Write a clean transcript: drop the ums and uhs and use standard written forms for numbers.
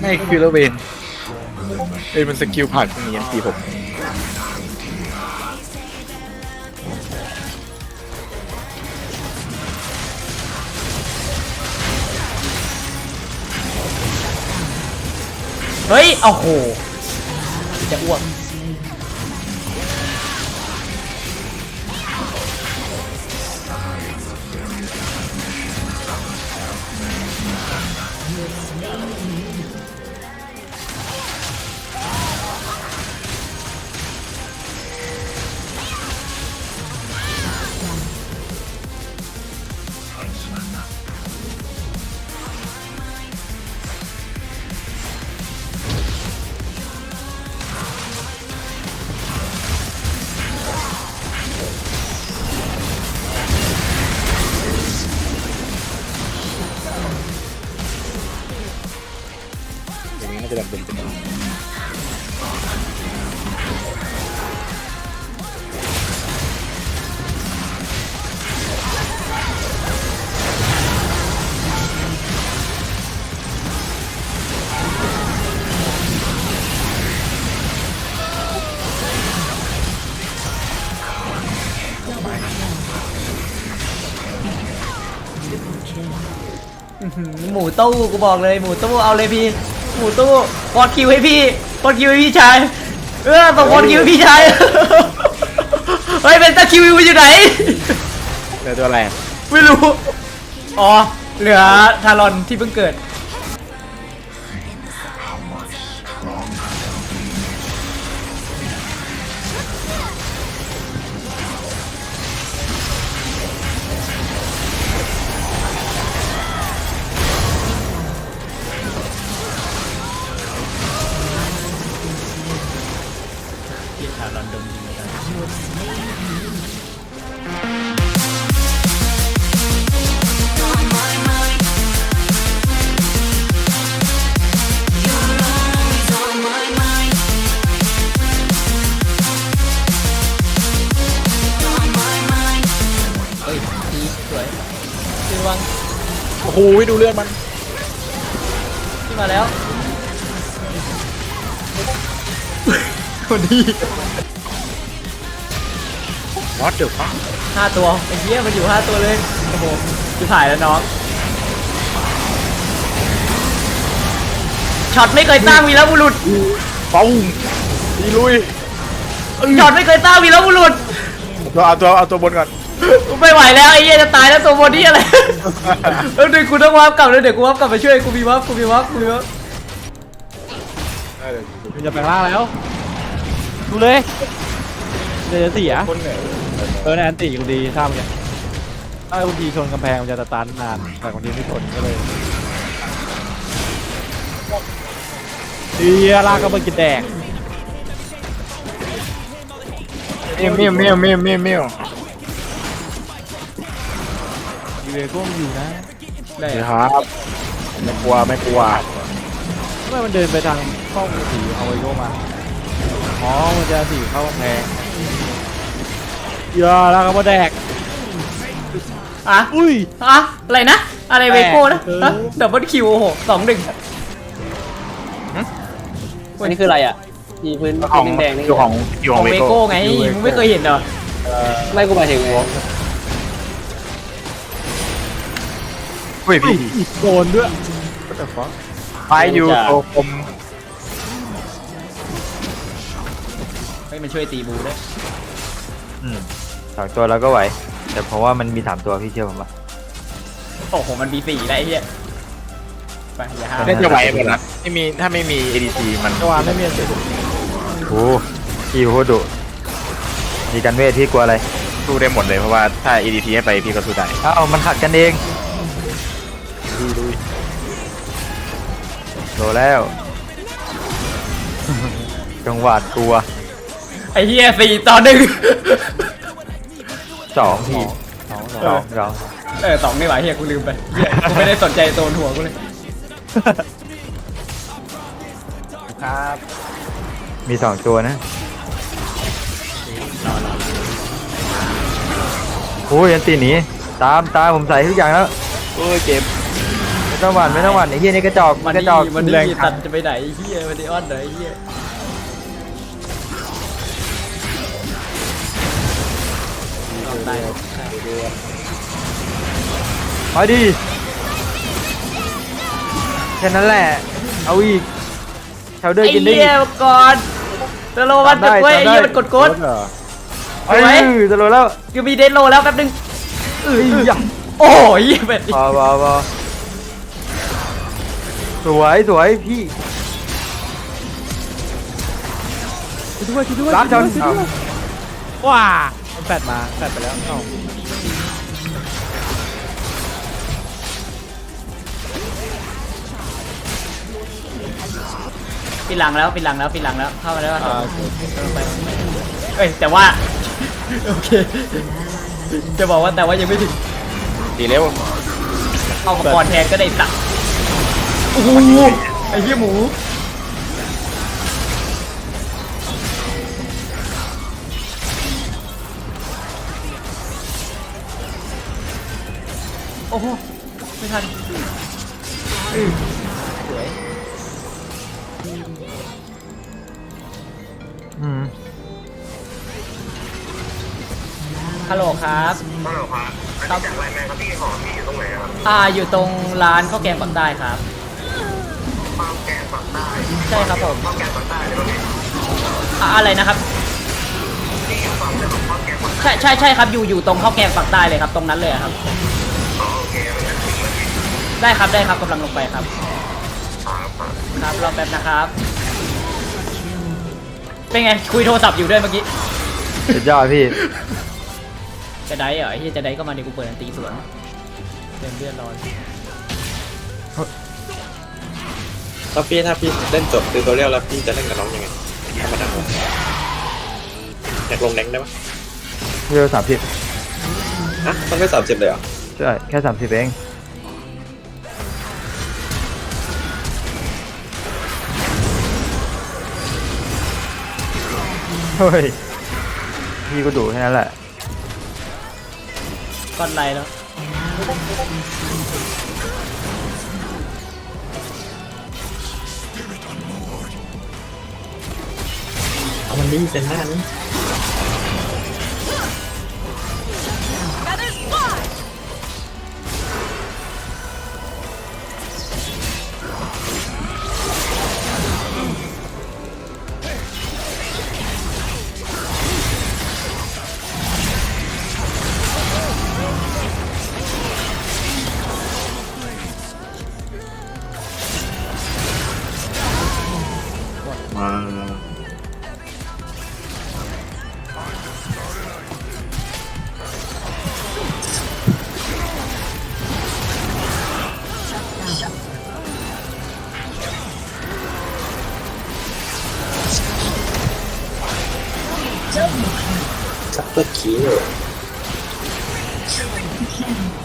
ให้คิวเลเวนมันสกิลผ่านมีอันตีผมเฮ้ยโอ้โหจะอ้วกอย่างนี้น่าจะดำเป็นหมูตู้กูบอกเลยหมูตู้เอาเลยพี่หมูตู้กดคิวให้พี่กดคิวให้พี่ชายส่งกดคิวให้พี่ชายเฮ้ยเป็นตะคิวอยู่ไหนเหลือตัวอะไรไม่รู้อ๋อเหลือทารอนที่เพิ่งเกิดที่ทารอนดมดีกันเฮ้ยดีสวยขึ้นวังโอ้โหดูเลือดมันขึ้นมาแล้วคนดี What the fuck 5 ตัวไอ้เหี้ยมันอยู่5 ตัวเลยโอ้โหจะถ่ายแล้วน้องช็อตไม่เคยตั้งวีรบุรุษปุ้งดีลุยช็อตไม่เคยตั้งวีรบุรุษเอาตัวบนก่อนกูไม่ไหวแล้วไอ้เหี้ยจะตายแล้วตัวบนนี่อะไรเดี๋ยวกูต้องวาร์ปกลับเลยเดี๋ยวกูวาร์ปกลับไปช่วยกูมีวาร์ปมันจะแปลงร่างแล้วดูเลยเดี๋ยวจะเสียคนเหนื่อยในอันติกูดีท่ามันเนี่ยถ้าบางทีชนกำแพงมันจะสตาร์ทนานแต่บางทีไม่ชนก็เลยลากก็มากินแดกเมี่ยวอยู่เลยก็อยู่นะได้ครับไม่กลัวทำไมมันเดินไปทางช่องสีเอาไว้โยมาอ๋อมันจะสีเข้ากำแพงลากก็มาแดกอ่ะอุ้ยอ่ะอะไรนะอะไรเวโก้นะดับเบิลคิวโอ้โห2-1 วันนี้คืออะไรอ่ะมีพื้นของแดงๆนี่อยู่ของของเวเวโก้โก้ไงมึงไม่เคยเห็นเหรอไม่กูหมายถึงไงเฮ้ยพี่โดนด้วยไปอยู่โตคมให้มันช่วยตีบูด้วย 2 ตัวเราก็ไหวแต่เพราะว่ามันมี3 ตัวพี่เชื่อผมป่ะโอ้โหมันมี4ได้ไอ้เหี้ยไปอย่าห้ามน่าจะไหวหมดนะถ้าไม่มี ADC มันจังหวะไม่มีอันติโอ้พี่โคตรดุมีกันเวทพี่กลัวอะไรสู้ได้หมดเลยเพราะว่าถ้า ADC ให้ไปพี่ก็สู้ได้เอ้ามันขัดกันเองลุยโดนแล้ว จังหวะกลัวไอ้เหี้ย4-1 2พี่ 2 เรา 2นี่หว่าเหี้ยกูลืมไปเหี้ยกูไม่ได้สนใจโซนหัวกูเลยครับมี 2 ตัวนะโอ้ยอันตีหนีตามผมใส่ทุกอย่างแล้วโอ้ยเจ็บไม่ต้องหวั่นไม่ต้องหวั่นไอ้เหี้ยนี่กระจอกมันกระนี่จอกมันแรนี่งตัดจะไปไหนไอ้เฮียมันนี่อ้อนไหนไอ้เฮียเอาตายมาดิแค่นั้นแหละเอาอีกชาวเดอร์ไอ้กินได้เหี้ยก่อนตโลมันตึกเว้ยไอ้เหี้ยมันกดกดเหรอเอ้ยจะโดนแล้วกูมีเดนโลแล้วแป๊บนึงเอ้ยอย่าโอ้ยเหี้ยแบบนี้พอสวยสวยพี่ช่วยด้วยรับชนเอาว้ามันแฟดมาแฟดไปแล้วเอ้าปิดหลังแล้วปิดหลังแล้วปิดหลังแล้วเข้ามาแล้วโอเคเอ้ยแต่ว่าโอเคจะบอกว่าแต่ว่ายังไม่ถึงดีเร็วเอามังกรแทนก็ได้สักโอ้โหไอ้เหี้ยหมูโอ้โหไม่ทันสวยอืมฮัลโหลครับฮัลโหลครับจากไรแมนครับพี่ของพี่อยู่ตรงไหนครับอยู่ตรงร้านข้าวแกงปักใต้ครับข้าวแกงปักใต้ใช่ครับผมข้าวแกงปักใต้เลยอะไรนะครับใช่ครับอยู่ตรงข้าวแกงปักใต้เลยครับตรงนั้นเลยครับได้ครับกำลังลงไปครับครับรอแป๊บนะครับ เป็นไงคุยโทรศัพท์อยู่ด้วยเมื่อกี้สุดยอดพี่จะได้เหรอไอ้ที่จะได้ก็มาเดี๋ยวกูเปิดอันตีสวนเต็มเลือดร้อนถ้าพี่เล่นจบติวตัวเรียลแล้วพี่จะเล่นกับน้องยังไงธรรมดาอยากลงแรงได้ปะเร็ว30 ฮะต้องได้30เลยเหรอใช่แค่30เองเฮ้ยพี่ก็ดูแค่นั้นแหละก้อนไรแล้วเอามันดีเซนหน้านี้ มา ซัปเปอร์คิว